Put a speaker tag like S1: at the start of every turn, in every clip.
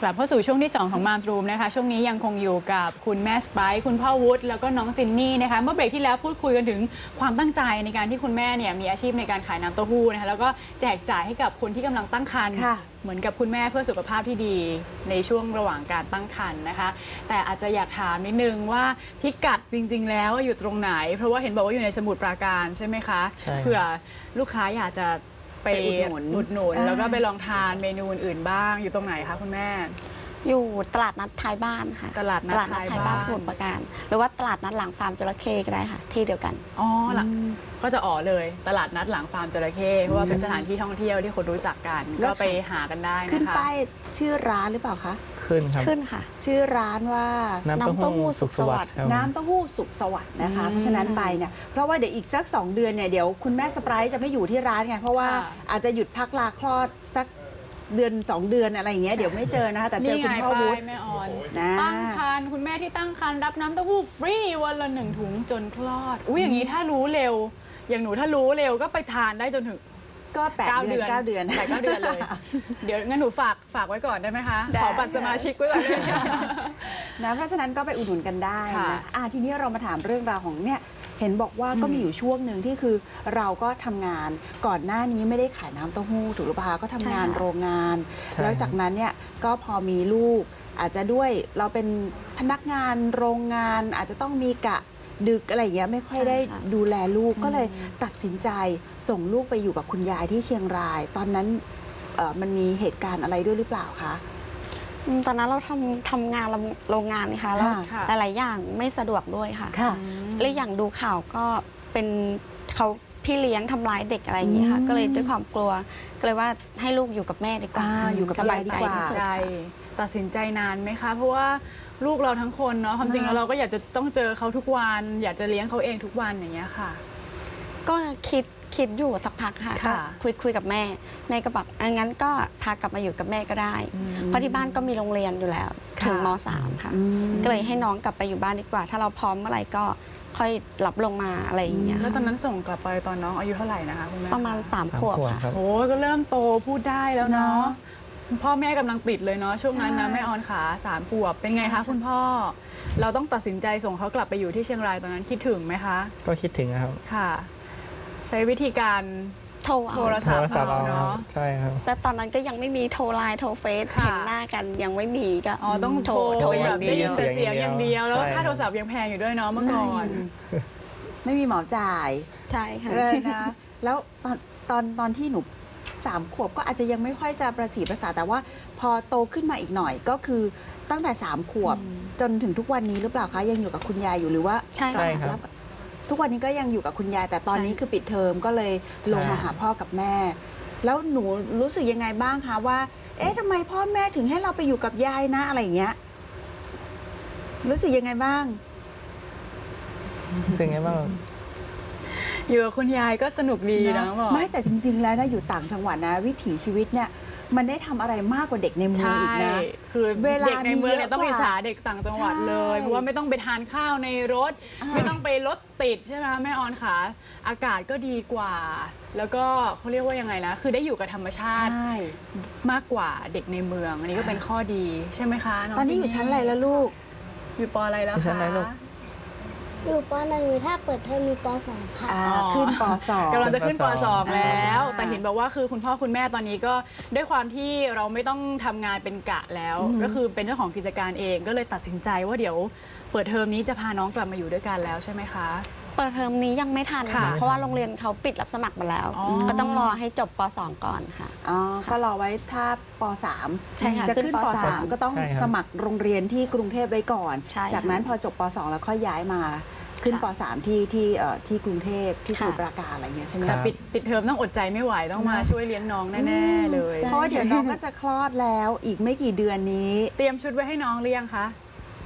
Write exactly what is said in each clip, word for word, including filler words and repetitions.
S1: กลับเข้าสู่ช่วงที่สองของมามรูมนะคะช่วงนี้ยังคงอยู่กับคุณแม่สไปร์คุณพ่อวุฒิแล้วก็น้องจินนี่นะคะเมื่อเบรกที่แล้วพูดคุยกันถึงความตั้งใจในการที่คุณแม่เนี่ยมีอาชีพในการขายน้ำเต้าหู้นะคะแล้วก็แจกจ่ายให้กับคนที่กำลังตั้งครรภ์เหมือนกับคุณแม่เพื่อสุขภาพที่ดีในช่วงระหว่างการตั้งครรภ์นะคะแต่อาจจะอยากถามนิดนึงว่าพิกัดจริงๆแล้วอยู่ตรงไหนเพราะว่าเห็นบอกว่าอยู่ในสมุทรปราการใช่ไหมคะเผื่อลูกค้าอยากจะไปอุดหนุนหนุนแล้วก็ไปลองทานเมนูอื่นๆบ้างอยู่ตรงไหนคะคุณแม่
S2: อยู่ตลาดนัดท้ายบ้านค่ะ
S1: ตลาดนัดท้ายบ้าน
S2: สมุทรปราการหรือว่าตลาดนัดหลังฟาร์มจระเข้ก็ได้ค่ะที่เดียวกัน
S1: อ๋อหลังก็จะอ๋อเลยตลาดนัดหลังฟาร์มจระเข้เพราะว่าเป็นสถานที่ท่องเที่ยวที่คนรู้จักกันก็ไปหากันได้นะคะ
S3: ขึ้นป้ายชื่อร้านหรือเปล่าคะ
S4: ขึ้นครับ
S2: ขึ้นค่ะ
S3: ชื่อร้านว่า
S4: น้ำเต้าหู้สุขสวัสดิ์
S3: น้ำเต้าหู้สุขสวัสดิ์นะคะเพราะฉะนั้นไปเนี่ยเพราะว่าเดี๋ยวอีกสักสองเดือนเนี่ยเดี๋ยวคุณแม่สไปร์จะไม่อยู่ที่ร้านไงเพราะว่าอาจจะหยุดพักลาคลอดสักเดือนสองเดือนอะไรอย่างเงี้ยเดี๋ยวไม่เจอนะคะแต่เจอคุณพ่อวุฒิ
S1: แม่ออนตั้งครรภ์คุณแม่ที่ตั้งครรภ์รับน้ำเต้าหู้ฟรีวันละหนึ่งถุงจนคลอดอุ้ยอย่างนี้ถ้ารู้เร็วอย่างหนูถ้ารู้เร็วก็ไปทานได้จนถึง
S3: ก็แปดเดือนเก้าเดือน
S1: แปดเก้าเดือนเลยเดี๋ยวงั้นหนูฝากฝากไว้ก่อนได้ไหมคะขอบัตรสมาชิกไว้ก่อนเลย
S3: นะเพราะฉะนั้นก็ไปอุดหนุนกันได้นะอ่ะทีนี้เรามาถามเรื่องราวของเนี่ยเห็นบอกว่าก็มีอยู่ช่วงหนึ่งที่คือเราก็ทำงานก่อนหน้านี้ไม่ได้ขายน้ำเต้าหู้ถูกหรือเปล่าก็ทำงานโรงงานแล้วจากนั้นเนี่ยก็พอมีลูกอาจจะด้วยเราเป็นพนักงานโรงงานอาจจะต้องมีกะดึกอะไรอย่างเงี้ยไม่ค่อยได้ดูแลลูกก็เลยตัดสินใจส่งลูกไปอยู่กับคุณยายที่เชียงรายตอนนั้นมันมีเหตุการณ์อะไรด้วยหรือเปล่าคะ
S2: ตอนนั้นเราทำทำงานโรงงานนะคะแล้วหลายๆอย่างไม่สะดวกด้วยค่ะและอย่างดูข่าวก็เป็นเขาพี่เลี้ยงทำร้ายเด็กอะไรอย่างนี้ค่ะก็เลยด้วยความกลัวก็เลยว่าให้ลูกอยู่กับแม่ดีกว่า
S3: อยู่กับ
S2: สบายใจที่สุด
S1: ตัดสินใจนานไหมคะเพราะว่าลูกเราทั้งคนเนาะความจริงแล้วเราก็อยากจะต้องเจอเขาทุกวันอยากจะเลี้ยงเขาเองทุกวันอย่างเงี้ยค่ะ
S2: ก็คิดคิดอยู่สักพักค่ะก็คุยคุยกับแม่แม่ก็บอกงั้นก็พากลับมาอยู่กับแม่ก็ได้เพราะที่บ้านก็มีโรงเรียนอยู่แล้วถึงม.สาม ค่ะก็เลยให้น้องกลับไปอยู่บ้านดีกว่าถ้าเราพร้อมเมื่อไหร่ก็ค่อยรับลงมาอะไรอย่างเงี้ย
S1: แล้วตอนนั้นส่งกลับไปตอนน้องอายุเท่าไหร่นะคะคุณแม่
S2: ประมาณสามขวบค่ะ
S1: โอ้ก็เริ่มโตพูดได้แล้วเนาะพ่อแม่กำลังติดเลยเนาะช่วงนั้นนะแม่ออนขาสามขวบเป็นไงคะคุณพ่อเราต้องตัดสินใจส่งเขากลับไปอยู่ที่เชียงรายตอนนั้นคิดถึงไหมคะ
S4: ก็คิดถึงครับ
S1: ค่ะใช้วิธีการ
S2: โทร
S1: โทรศัพท์เอาเนาะ
S4: ใช่ครับ
S2: แต่ตอนนั้นก็ยังไม่มีโทรไลน์โทรเฟซเห็นหน้ากันยังไม่มีก็
S1: อ๋อต้องโทรแบบได้ยินเสียงอย่างเดียวแล้วค่าโทรศัพท์ยังแพงอยู่ด้วยเนาะเมื่อก่อน
S3: ไม่มีหมอจ่าย
S2: ใช่ค่ะ
S3: เลยนะแล้วตอนตอนตอนที่หนูสามขวบก็อาจจะยังไม่ค่อยจะประสีประสาแต่ว่าพอโตขึ้นมาอีกหน่อยก็คือตั้งแต่สามขวบจนถึงทุกวันนี้หรือเปล่าคะยังอยู่กับคุณยายอยู่หรือว่า
S2: ใช่
S4: ครับ
S3: ทุกวันนี้ก็ยังอยู่กับคุณยายแต่ตอนนี้คือปิดเทอมก็เลยลงมาหาพ่อกับแม่แล้วหนูรู้สึกยังไงบ้างคะว่าเอ๊ะทำไมพ่อแม่ถึงให้เราไปอยู่กับยายนะอะไรอย่างเงี้ยรู้สึกยังไงบ้าง
S4: รู้สึกยังไงบ้าง
S1: อยู่กับคุณยายก็สนุกดีนะบอก
S3: ไม่แต่จริงๆแล้วนะอยู่ต่างจังหวัดนะวิถีชีวิตเนี่ยมันได้ทำอะไรมากกว่าเด็กในเมืองอีกนะ
S1: คือเวลาเด็กในเมืองเนี่ยต้องอิจฉาเด็กต่างจังหวัดเลยเพราะว่าไม่ต้องไปทานข้าวในรถไม่ต้องไปรถติดใช่ไหมแม่ออนค่ะอากาศก็ดีกว่าแล้วก็เขาเรียกว่ายังไงนะคือได้อยู่กับธรรมชาติมากกว่าเด็กในเมืองอันนี้ก็เป็นข้อดีใช่ไหมคะ
S3: ตอนนี้อยู่ชั้นอะไรแล้วลูก
S1: อยู่ป.อะไรแล้วคะ
S5: อยู่ป.หนึ่งถ้าเปิดเทอมมีป.สองค่ะ
S3: ขึ้นป.สอง
S1: กำลังจะขึ้นป.สองแล้วแต่เห็นบอกว่าคือคุณพ่อคุณแม่ตอนนี้ก็ด้วยความที่เราไม่ต้องทำงานเป็นกะแล้วก็คือเป็นเจ้าของกิจการเองก็เลยตัดสินใจว่าเดี๋ยวเปิดเทอมนี้จะพาน้องกลับมาอยู่ด้วยกันแล้วใช่ไหมคะ
S2: เปิดเทอมนี้ยังไม่ทันค่ะเพราะว่าโรงเรียนเขาปิดรับสมัครมาแล้วก็ต้องรอให้จบป.สอง ก่อนค่ะ
S3: อ๋อก็รอไว้ถ้าป.สาม
S2: ใช่ค่ะ
S3: จะขึ้นป.สามก็ต้องสมัครโรงเรียนที่กรุงเทพไว้ก่อนจากนั้นพอจบป.สองแล้วค่อยย้ายมาขึ้นป.สาม ที่ที่ที่กรุงเทพที่สมุทรปราการอะไรเงี้ยใช่ไหม
S1: แต่ปิดปิดเทอมต้องอดใจไม่ไหวต้องมาช่วยเลี้ยงน้องแน่ๆเลย
S3: เพราะเดี๋ยวน้องก็จะคลอดแล้วอีกไม่กี่เดือนนี้
S1: เตรียมชุดไว้ให้น้องหรือยังคะ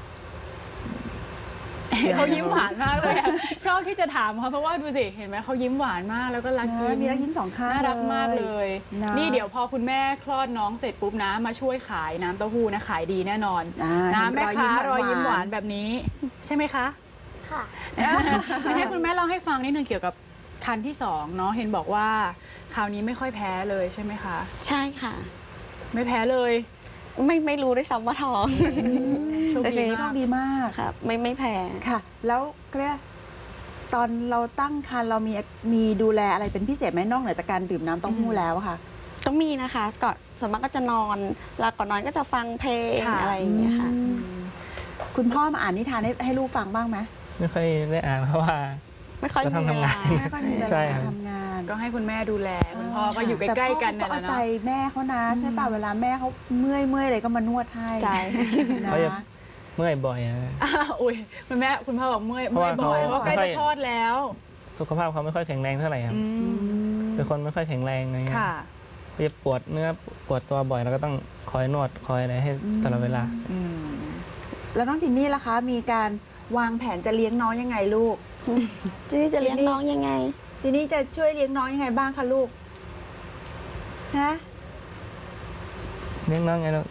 S1: เขายิ้มหวานมากเลยชอบที่จะถามเขาเพราะว่าดูสิเห็นไหมเขายิ้มหวานมากแล้วก็รักยิ้ม
S3: มีรักยิ้มสองข้าง
S1: น่ารักมากเลยนี่เดี๋ยวพอคุณแม่คลอดน้องเสร็จปุ๊บนะมาช่วยขายน้ำเต้าหู้นะขายดีแน่นอนนะแม่ค้ารอยยิ้มหวานแบบนี้ใช่ไหมคะ
S5: ค่ะ
S1: ให้คุณแม่เล่าให้ฟังนิดนึงเกี่ยวกับคันที่สองเนาะเห็นบอกว่าคราวนี้ไม่ค่อยแพ้เลยใช่ไหมคะ
S2: ใช่ค่ะ
S1: ไม่แพ้เลย
S2: ไม่ไม่รู้ด้วยซ้ำว่าท้อง
S1: โชค
S2: แต่ที
S1: ดี
S2: นี้
S3: โช
S1: มา
S3: ค
S1: ก
S3: ดีมาก
S2: ครับไม่ไม่แพ้
S3: ค่ะ แล้วก็เรียกตอนเราตั้งครรภ์เรามีมีดูแลอะไรเป็นพิเศษไหมนอกเหนือจากการดื่มน้ำเต้าหู้แล้วอะค่ะ
S2: ต้องมีนะคะก่อนส่วนมากก็จะนอนแล้วก่อนนอนก็จะฟังเพลง
S1: ค่ะ
S2: อะไรอย่างเงี้ยค่ะ
S3: คุณพ่อมาอ่านนิทานให้ให้ลูกฟังบ้างไหม
S4: ไม่ค่อยได้อ่านเพราะว่า
S2: ไม่ค่อย
S4: ก็
S2: มี
S4: ทำ
S2: เว
S4: ทำงา
S2: ลาน
S3: ไม่ค่อยมีเว
S4: ใช่
S3: ลา
S4: ครับ
S3: ทำงาน
S1: ก็ให้คุณแม่ดูแลคุณพ่อก็อยู่ใกล้ๆกัน
S3: แต่
S1: นั่น
S3: พ่อก็เอาใจ
S1: แหละเนาะ
S3: แม่เขานะใช่ป่ะเวลาแม่เขาเมื่อยเมื่อยอะไรก็มานวดให้
S2: ใช่
S3: นะ
S4: เขาจะเมื่อยบ่อยอะ
S1: อ้าวอุ้ยคุณแม่คุณพ่อบอกเมื่อย
S4: เพราะ
S1: เมื่อย
S4: ว่า
S1: บ่อย
S4: เขา
S1: เพราะใกล้จะคลอดแล้ว
S4: สุขภาพเขาไม่ค่อยแข็งแรงเท่าไหร่ครับ
S1: อืม
S4: เป็นคนไม่ค่อยแข็งแรงอะไรเงี้ย
S1: ค่ะ
S4: เขาจะปวดเนื้อปวดตัวบ่อยแล้วก็ต้องคอยนวดคอยอะไรให้ตลอดเวลา
S1: อืม
S3: แล้วน้องจินนี่ล่ะคะ มีการวางแผนจะเลี้ยงน้องยังไงลูก
S2: จีนี่จะเลี้ยงน้องยังไง
S3: จินนี่จะช่วยเลี้ยงน้องยังไงบ้างคะลูกฮะ
S4: เลี้ยงน้องไงลูก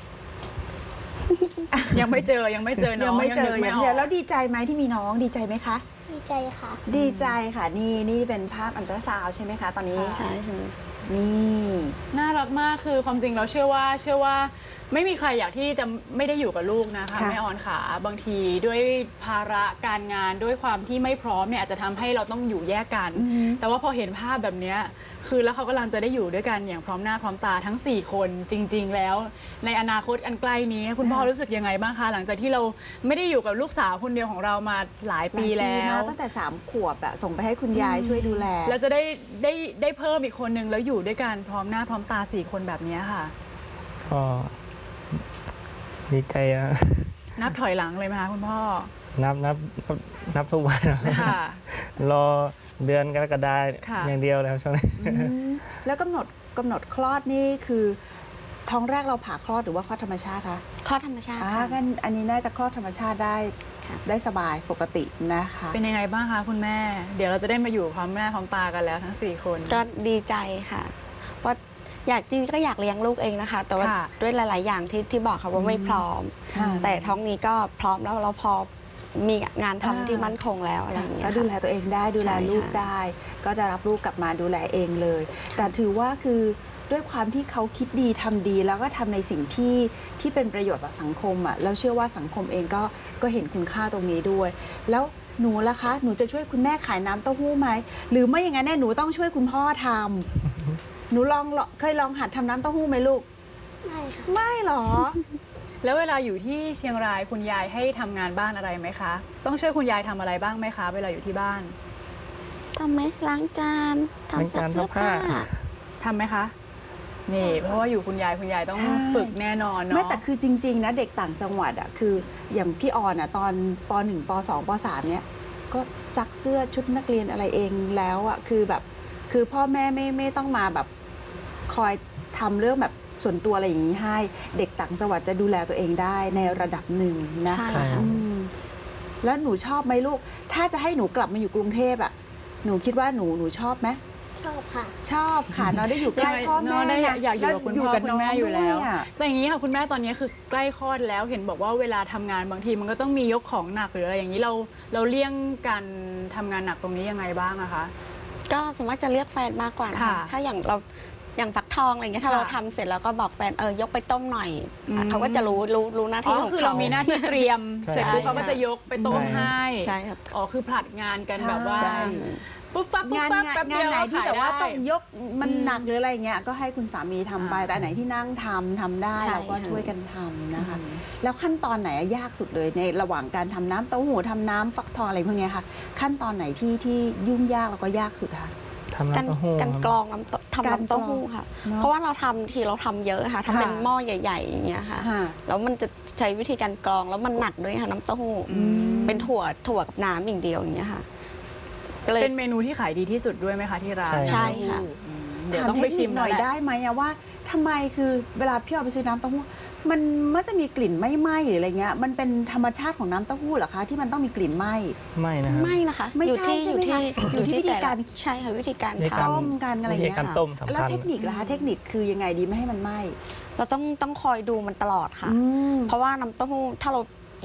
S1: ยังไม่เจอยังไม่เจอน้
S3: ยั
S1: อง
S3: ไม่เจอ
S1: นึก
S3: ยัง
S1: อ
S3: ไม่
S1: อก
S3: เจอแล้วดีใจไหมที่มีน้องดีใจไหมคะ
S5: ดีใจค่ะ
S3: ดีใจค่ะนี่นี่เป็นภาพอันตราซาวด์ใช่ไหมคะ ตอนนี้
S2: ใช่ค่ะ
S3: นี่
S1: น่ารักมากคือความจริงเราเชื่อว่าเชื่อว่าไม่มีใครอยากที่จะไม่ได้อยู่กับลูกนะคะ
S3: ค่ะ
S1: แม่ออนขาบางทีด้วยภาระการงานด้วยความที่ไม่พร้อมเนี่ยอาจจะทำให้เราต้องอยู่แยกกัน แต่ว่าพอเห็นภาพแบบเนี้ยคือแล้วเขากำลังจะได้อยู่ด้วยกันอย่างพร้อมหน้าพร้อมตาทั้งสี่คนจริง ๆ แล้ว ในอนาคตอันใกล้นี้ คุณพ่อรู้สึกยังไงบ้างคะหลังจากที่เราไม่ได้อยู่กับลูกสาวคนเดียวของเรามาหลายปีแล้
S3: หายว นะตั้งแต่สามขวบอะส่งไปให้คุณยายช่วยดูแล
S1: แล้วจะได้ได้ได้เพิ่มอีกคนนึงแล้วอยู่ด้วยกันพร้อมหน้าพร้อมตาสี่คนแบบเนี้ยค่ะ
S4: ก็ดีใจอะ
S1: นับถอยหลังเลยไหมคะคุณพ่อ
S4: นับนับนับนับทุกวันอะ
S1: ค่ะ
S4: รอเดือนกรกฎาคม
S1: ค่ะ
S4: อย่างเดียวแล้วช่วงนี้
S3: แล้วกำหนดกำหนดคลอดนี่คือท้องแรกเราผ่าคลอดหรือว่าคลอดธรรมชาติคะ
S2: คลอดธรรมชาติ
S3: อ่า
S2: ค่ะ
S3: กันอันนี้น่าจะคลอดธรรมชาติได้
S2: ค่ะ
S3: ได้สบายปกตินะคะ
S1: เป็นยังไงบ้างคะคุณแม่ เดี๋ยวเราจะได้มาอยู่พร้อมหน้าพร้อมตากันแล้วทั้งสี่คน
S2: ก็ดีใจค่ะเพราะอยากจริงๆก็อยากเลี้ยงลูกเองนะคะ แต่ว่า
S1: ค่ะ
S2: ด้วยหลาย ๆ อย่างที่ที่บอกค่ะว่าไม่พร้อม
S3: ค่ะ
S2: แต่ท้องนี้ก็พร้อมแล้วเราพอมีงานทำ
S3: อ่า
S2: ที่มั่นคงแล้วอะไรอย่างเงี้ย
S3: ก็
S2: ค่ะ
S3: ดูแลตัวเองได้ดูแล
S2: ใช่ค่ะ
S3: ลูกได้ ก็จะรับลูกกลับมาดูแลเองเลย แต่ถือว่าคือด้วยความที่เขาคิดดีทำดี แล้วก็ทำในสิ่งที่ที่เป็นประโยชน์ต่อสังคมอ่ะแล้วเชื่อว่าสังคมเองก็ก็เห็นคุณค่าตรงนี้ด้วย แล้วหนูล่ะคะ หนูจะช่วยคุณแม่ขายน้ำเต้าหู้ไหมหรือไม่อย่างนั้นเนี่ยหนูต้องช่วยคุณพ่อทำหนูลองเคยลองหัดทำน้ำเต้าหู้ไหมลูก
S5: ไม่ค่ะ
S3: ไม่หรอ
S1: แล้วเวลาอยู่ที่เชียงรายคุณยายให้ทำงานบ้านอะไรไหมคะ ต้องช่วยคุณยายทำอะไรบ้างไหมคะ เวลาอยู่ที่บ้าน
S2: ทำไหมล้างจานทำซักเสื้อผ้า
S4: ล้างจานซักผ้า
S1: ทำไหมคะ นี่เพราะว่าอยู่คุณยายคุณยายต้อง
S3: ใช่
S1: ฝึกแน่นอนเนาะ
S3: ไม่แต่คือจริง ๆ นะเด็กต่างจังหวัดอ่ะคืออย่างพี่ออนอ่ะตอนปหนึ่งปสองปสามเนี่ยก็ซักเสื้อชุดนักเรียนอะไรเองแล้วอ่ะคือแบบคือพ่อแม่ไม่ไม่ต้องมาแบบคอยทำเรื่องแบบส่วนตัวอะไรอย่างนี้ให้ เด็กต่างจังหวัดจะดูแลตัวเองได้ในระดับหนึ่งนะ
S2: ใช่
S3: คะ
S2: ค่ะ
S3: อืมแล้วหนูชอบไหมลูก ถ้าจะให้หนูกลับมาอยู่กรุงเทพอ่ะหนูคิดว่าหนูหนูชอบไหม
S5: ชอบค่ะ
S3: ชอบค่ะเนาะได้อยู่ใกล้พ่อแม่
S1: เนาะได้อยากอยากอยู่กับคุณพ่อคุณแม่อยู่แล้ว
S3: น้งด้ยะ
S1: แต่อย่างนี้ค่ะคุณแม่ตอนนี้คือใกล้คลอดแล้วเห็นบอกว่าเวลาทำงานบางทีมันก็ต้องมียกของหนักหรืออะไรอย่างนี้เราเราเลี่ยงการทำงานหนักตรงนี้ยังไงบ้างอะคะ
S2: ก็สมมติจะเรียกแฟนมากกว่านะคะ
S1: ค่ะ
S2: ถ้าอย่างเราอย่างฟักทองอะไรเงี้ยถ้า
S1: ค่ะ
S2: เราทำเสร็จแล้วก็บอกแฟนเออยกไปต้มหน่อย
S1: อืม
S2: เขาก็จะรู้รู้รู้หน้า
S1: อ๋
S2: ที่
S1: อ
S2: ของ
S1: คือ
S2: เขา
S1: เรามีหน้าที่เตรียม
S4: ใช่
S1: เสร็จปุ๊บ
S2: ใช่
S1: เขาก็จะยกไปต้มให้
S2: ใช่ครับ
S1: อ๋อคือผลัดงานกันแบบว่า
S3: ใช่
S1: ปุ๊บปั๊บปุ๊บ
S3: งาน
S1: ปั๊บ
S3: งาน
S1: แป๊บ
S3: งา
S1: เดี
S3: น
S1: ยว
S3: ไหนที่
S1: ขาย
S3: แบบว่า
S1: ได้
S3: ต้องยกมัน
S1: อืม
S3: หนักหรืออะไรเงี้ยก็ให้คุณสามีทำไป
S1: อ่า
S3: แต่อันไหนที่นั่งทำทำได้
S2: ใช่
S3: เราก็
S2: ค่ะ
S3: ช่วยกันทำนะคะ แล้วขั้นตอนไหนอะยากสุดเลยในระหว่างการทำน้ำเต้าหู้ทำน้ำฟักทองอะไรพวกเนี้ยค่ะ ขั้นตอนไหนที่ที่ยุ่งยากแล้วก็ยากสุดคะ
S4: ทำ
S2: กัน
S4: น้ำเต้าหู้
S2: กัน
S4: ครับ
S2: กรองน้ำเต้าทำ
S3: การ
S2: น้ำเต้าหู้ค่ะ
S3: เนอะ
S2: เพราะว่าเราทำทีเราทำเยอะค่ะทำเป็น
S3: ค่ะ
S2: หม้อใหญ่ๆอย่างเงี้ยค่ะ
S3: ค่ะ
S2: แล้วมันจะใช้วิธีการกรองแล้วมันหนักด้วยค่ะน้ำเต้าหู้
S1: อืม
S2: เป็นถั่วถั่วกับน้ำอย่างเดียวอย่างเงี้ยค่ะก็เลย
S1: เป็นเมนูที่ขายดีที่สุดด้วยไหมคะที่ร้าน
S4: ใช่
S2: ใช่ค่ะ
S1: อืมเดี๋ยว
S3: ถาม
S1: ต้องไปชิม
S3: เทคนิคห
S1: หน่
S3: น่
S1: อ
S3: อย ย
S1: ได้
S3: ได้ไหมอะว่าทำไมคือเวลาพี่เอาไปซื้อน้ำเต้าหู้มันมันจะมีกลิ่นไม่ไหม้หรืออะไรเงี้ยมันเป็นธรรมชาติของน้ำเต้าหู้เหรอคะที่มันต้องมีกลิ่นไหม้
S4: ไม่นะครับ
S2: ไม่นะคะ
S3: ไม่
S2: อยู่
S3: ใช่
S2: ที่
S3: ใช่
S2: อยู่
S3: ไหม
S2: ที่
S3: คะ
S2: อยู่ที่
S3: อยู่ที่วิธี
S2: แต่
S3: กา
S2: ละ
S3: ร
S2: ใช่ค่ะวิธีการ
S4: วิธี
S2: ท
S3: ต้มกันอะไร
S4: วิธี
S3: เงี้ย
S4: การ
S3: ค่ะ
S4: ต้มสำ
S3: แล้ว
S4: คัญ
S3: เทคนิคล่ะคะเทคนิคคือยังไงดีไม่ให้มันไหม้
S2: ำเราต้องต้องคอยดูมันตลอดค่ะ
S3: อืม
S2: เพราะว่าน้ำเต้าหู้ถ้าเรา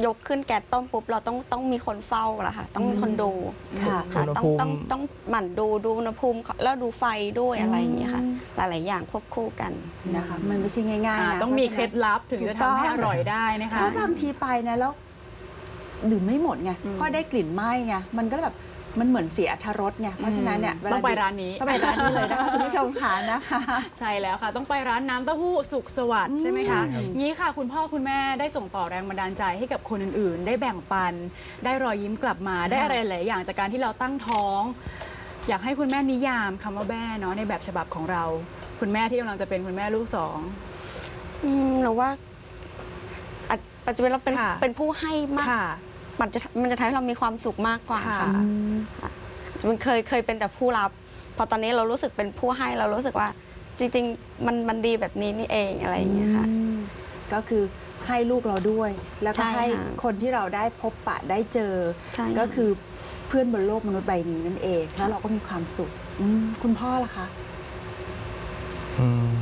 S2: ยกขึ้นแก๊สต้มปุ๊บเราต้องต้องมีคนเฝ้าละค่ะต้องมีคนดู
S3: ค่ะ
S2: ค่ะ
S4: อุณห
S2: ต้อง
S4: ภูมิ
S2: ต้องต้องหมั่นดูดูอุณหภูมิแล้วดูไฟด้วยอะไรอย่างเงี้ยค่ะหลายๆอย่างควบคู่กัน
S3: นะคะมันไม่ใช่ง่าย
S1: อ่า
S3: ๆนะ
S1: ต้องมี
S3: พ
S1: เค
S3: ราะ
S1: ล็
S3: ฉะ
S1: ด
S3: นั้น
S1: ลับถึงจะทำให้อร่อยได้นะคะ
S3: ถ้าบางทีไปนะแล้วดื่มไม่หมดไงเพราะได้กลิ่นไหม้ไงมันก็แบบมันเหมือนเสียอรรถรสไงเพราะฉะนั้นเนี่ยเวล
S1: ต้องไปร้านนี้
S3: ต้องไปร้านนี้เลยนะคะคุณผู้ชมค่ะนะคะ
S1: ใช่แล้วค่ะ ต้องไปร้านน้ำเต้าหู้สุขสวัสดิ์ใช่ไหมคะ
S4: ใช่ครับ
S1: งี้ค่ะ คุณพ่อคุณแม่ได้ส่งต่อแรงบันดาลใจให้กับคนอื่นๆ ได้แบ่งปัน ได้รอยยิ้มกลับมา ได้อะไรหลายอย่างจากการที่เราตั้งท้อง อยากให้คุณแม่นิยามคำว่าแม่เนาะในแบบฉบับของเรา คุณแม่ที่กำลังจะเป็นคุณแม่ลูกสอง
S2: อืมหนูว่าอาจปัจจุบันเราเป็น
S1: ค่ะ
S2: เป็นผู้ให้มาก
S1: ค่ะ
S2: มันจะมันจะทำให้เรามีความสุขมากกว่า
S1: ค่ะ
S2: ค่ะมันเคยเคยเป็นแต่ผู้รับ พอตอนนี้เรารู้สึกเป็นผู้ให้เรารู้สึกว่า จริง ๆ มันมันดีแบบนี้นี่เองอะไรอย่างเงี้ยค่ะ
S3: อืมก็คือให้ลูกเราด้วย แล้วก็
S2: ใช่
S3: ให้
S2: ค่ะ
S3: คนที่เราได้พบปะได้เจอ
S2: ใช่ค่ะ
S3: ก็คือเพื่อนบนโลกมนุษย์ใบนี้นั่นเองแล้วเราก็มีความสุขอืมคุณพ่อล่ะคะ
S4: อืม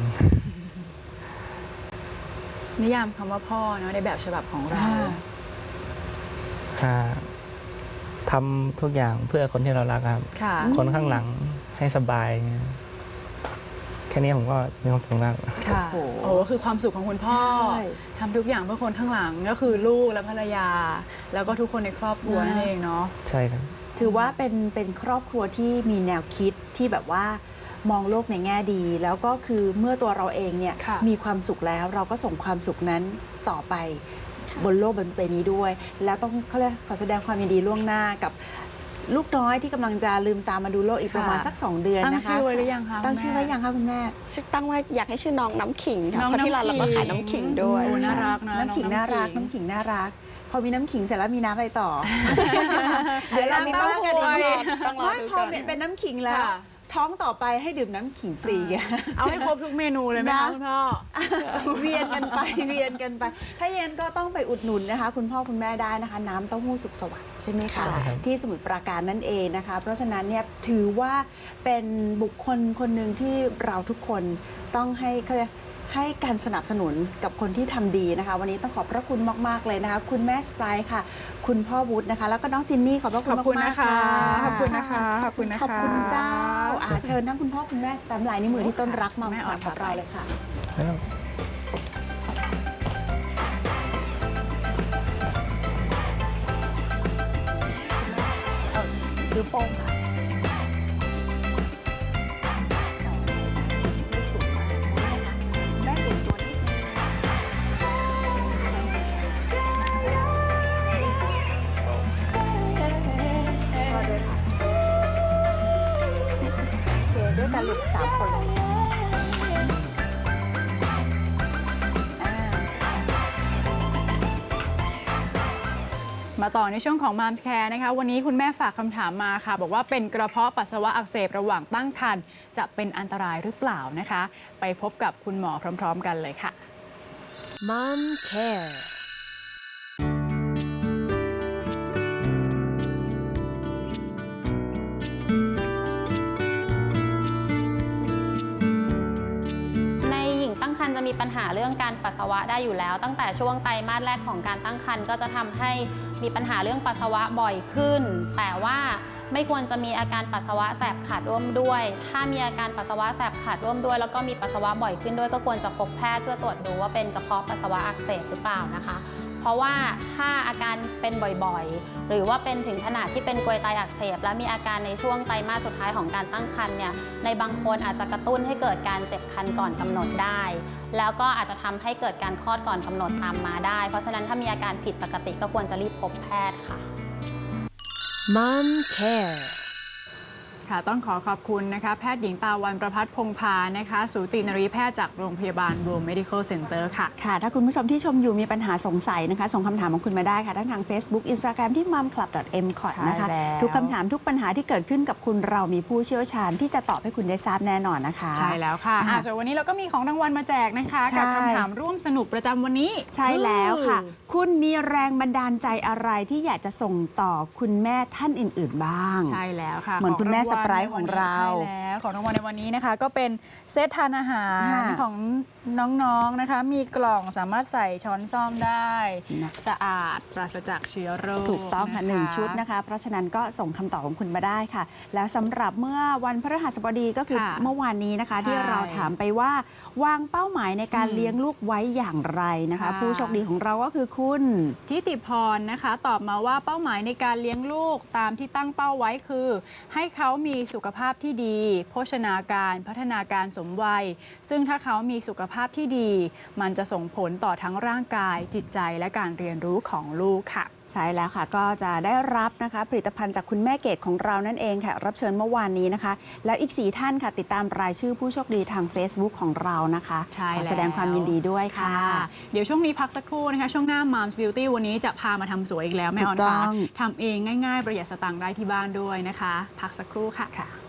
S1: นิยามคำว่าพ่อเนาะในแบบฉบับของเรา
S4: อ่าทำทุกอย่างเพื่อคนที่เรารักครับ
S1: ค่ะ
S4: คนข้างหลังให้สบายเงี้ยแค่นี้ผมก็มีความสุขมาก
S1: ค่ะ
S3: โอ้โห
S1: โอ้คือความสุขของคุณพ่อ
S3: ใช่
S1: ทำทุกอย่างเพื่อคนข้างหลังก็คือลูกและภรรยา แล้วก็ทุกคนในครอบครัวนั่นเองเนาะ
S4: ใช่ครับ
S3: ถือว่าเป็นเป็นครอบครัวที่มีแนวคิดที่แบบว่ามองโลกในแง่ดี แล้วก็คือเมื่อตัวเราเองเนี่ย
S1: ค่ะ
S3: มีความสุขแล้วเราก็ส่งความสุขนั้นต่อไปบนโลกบนใบนี้ด้วย แล้วต้องเขาเรียกขอแสดงความยินดีล่วงหน้ากับลูกน้อยที่กำลังจะลืมตามาดูโลกอีกประมาณสักสองเดือน
S1: ตั้ง
S3: นะคะ
S1: ชื่อไว้หรือยังคะ
S3: ตั้ง
S1: คุณแม่
S3: ชื่อไว้ยังคะคุณแม่
S2: ชื่อตั้งว่าอยากให้ชื่อน้องน้ำขิงค่ะ
S1: น้อง
S2: เพราะที่ร้านเราก็
S1: น้ำขิง
S2: ขายน้ำขิงด้วย
S1: โอ้น่ารักนะ
S3: น้ำขิง
S1: อง
S3: น่ารัก
S1: ขิง
S3: น้ำขิงน่ารัก พอมีน้ำขิงเสร็จแล้วมีน้ำอะไรต่อ
S1: เดี๋ยวเรา
S3: มี
S1: ต้อง
S3: น้ำกันอีก
S1: คุย
S2: ต้องรอ
S3: ไม่
S2: ดู
S3: พอ
S2: ก่อน
S3: เป็นน้ำขิงแล้ว
S1: ค่ะ
S3: ท้องต่อไปให้ดื่มน้ำขิงฟรีไง
S1: เอาให้ครบทุกเมนูเลยไหม
S3: นะ
S1: คะคุณพ่อ
S3: เวียนกันไป เวียนกันไป ถ้าเย็นก็ต้องไปอุดหนุนนะคะ คุณพ่อคุณแม่ได้นะคะ น้ำเต้าหู้สุขสวัสดิ์ใช่ไหมคะ
S4: ใช่ครับ
S3: ที่สมุทรปราการนั่นเองนะคะ เพราะฉะนั้นเนี่ยถือว่าเป็นบุคคลคนหนึ่งที่เราทุกคนต้องให้เขาเรียกให้การสนับสนุนกับคนที่ทำดีนะคะ วันนี้ต้องขอบพระคุณมากๆเลยนะคะ คุณแม่สไปร์ค่ะ คุณพ่อวุฒินะคะ แล้วก็น้องจินนี่ขอบพระคุ
S1: ข
S3: ณ
S1: อบคุณ
S3: มา
S1: นะ
S3: กๆ
S1: คะ
S3: ค่ะ
S1: ขอบคุณนะคะ ขอบคุณนะคะ
S3: ขอบคุณเจ้าอ่าเชิญทั้งคุณพ่อคุณแม่สแตมป์ลายนิ้วมือที่ต้นรักมา
S1: แม่อ่อน
S3: กับเราเลยค่ะ
S4: แล้ว
S3: คือโป้งค่ะไม่สูงมากนะคะแม่เปลี่ยนตัวนิดนึงพอด้วยค่ะโอเคด้วยกันลูกสามคนเลยอ่า
S1: มาต่อในช่วงของ Moms Care นะคะ วันนี้คุณแม่ฝากคำถามมาค่ะ บอกว่าเป็นกระเพาะปัสสาวะอักเสบระหว่างตั้งครรภ์จะเป็นอันตรายหรือเปล่านะคะ ไปพบกับคุณหมอพร้อม ๆ กันเลยค่ะ
S6: Mom Care
S7: ในหญิงตั้งครรภ์จะมีปัญหาเรื่องการปัสสาวะได้อยู่แล้ว ตั้งแต่ช่วงไตรมาสแรกของการตั้งครรภ์ก็จะทำให้มีปัญหาเรื่องปัสสาวะบ่อยขึ้น แต่ว่าไม่ควรจะมีอาการปัสสาวะแสบขัดร่วมด้วย ถ้ามีอาการปัสสาวะแสบขัดร่วมด้วย แล้วก็มีปัสสาวะบ่อยขึ้นด้วยก็ควรจะพบแพทย์เพื่อตรวจดูว่าเป็นกระเพาะปัสสาวะอักเสบหรือเปล่านะคะ เพราะว่าถ้าอาการเป็นบ่อยๆ หรือว่าเป็นถึงขนาดที่เป็นกรวยไตอักเสบและมีอาการในช่วงไตรมาสสุดท้ายของการตั้งครรภ์เนี่ยในบางคนอาจจะกระตุ้นให้เกิดการเจ็บคันก่อนกำหนดได้ แล้วก็อาจจะทำให้เกิดการคลอดก่อนกำหนดตามมาได้ เพราะฉะนั้นถ้ามีอาการผิดปกติก็ควรจะรีบพบแพทย์ค่ะ
S6: Mom Care
S1: ค่ะต้องขอขอบคุณนะคะแพทย์หญิงตาวันประภัสพงพานะคะสูตินรีแพทย์จากโรงพยาบาล World Medical Center ค่ะ
S3: ค่ะ ถ้าคุณผู้ชมที่ชมอยู่มีปัญหาสงสัยนะคะ ส่งคำถามของคุณมาได้ค่ะทั้งทาง Facebook Instagram ที่ มัมคลับ ดอท เอ็ม คอท นะคะ
S1: ใช่แล้ว
S3: ทุกคำถามทุกปัญหาที่เกิดขึ้นกับคุณเรามีผู้เชี่ยวชาญที่จะตอบให้คุณได้ทราบแน่นอนนะคะ
S1: ใช่แล้วค่ะ
S3: อ่ะ
S1: อ่ะส่วนวันนี้เราก็มีของรางวัลมาแจกนะคะ
S3: ใช่
S1: กับคำถามร่วมสนุกประจำวันนี้
S3: ใช่แล้วค่ะ
S1: อืม
S3: คุณมีแรงบันดาลใจอะไรที่อยากจะส่งต่อคุณแม่ท่านอื่น ๆ บ้าง
S1: ใช่แล้วค่ะ
S3: เหมือนคุณแม่
S1: ข
S3: สไพรส์ของเรา
S1: ใช่แล้วของรางวัลในวันนี้นะคะ ก็เป็นเซตทานอาหาร
S3: ค่ะ
S1: ของน้องๆนะคะ มีกล่องสามารถใส่ช้อนซ่อมได้
S3: นะ
S1: สะอาดปราศจากเชื้อโรค
S3: ถูกต้องค่ะ
S1: น
S3: หนึ่งชุดนะคะ เพราะฉะนั้นก็ส่งคำตอบของคุณมาได้ค่ะ แล้วสำหรับเมื่อวันพฤหัสบดีก็คือ
S1: ค่ะ
S3: เมื่อวานนี้นะคะ
S1: ใช่
S3: ที่เราถามไปว่าวางเป้าหมายในการ
S1: อืม
S3: เลี้ยงลูกไว้อย่างไรนะคะ
S1: ค่ะ
S3: ผู้โชคดีของเราก็คือคุณ
S1: ทิติพรนะคะ ตอบมาว่าเป้าหมายในการเลี้ยงลูกตามที่ตั้งเป้าไว้คือ ให้เขามีสุขภาพที่ดี โภชนาการพัฒนาการสมวัย ซึ่งถ้าเขามีสุขภาพที่ดี มันจะส่งผลต่อทั้งร่างกายจิตใจและการเรียนรู้ของลูกค่ะ
S3: ใช่แล้วค่ะ ก็จะได้รับนะคะผลิตภัณฑ์จากคุณแม่เกดของเรานั่นเองค่ะ รับเชิญเมื่อวานนี้นะคะ แล้วอีกสี่ท่านค่ะ ติดตามรายชื่อผู้โชคดีทาง Facebook ของเรานะคะ
S1: ใช่
S3: ขอ
S1: แล้ว
S3: แสดงความยินดีด้วยค่ะ
S1: เดี๋ยวช่วงนี้พักสักครู่นะคะ ช่วงหน้า Moms Beauty วันนี้จะพามาทำสวยอีกแล้วแม่ออน
S3: ถูกต้
S1: ค่ะ
S3: อง
S1: ทำเองง่ายๆ ประหยัดสตางค์ได้ที่บ้านด้วยนะคะ พักสักครู่ค่ะ
S3: ค่ะ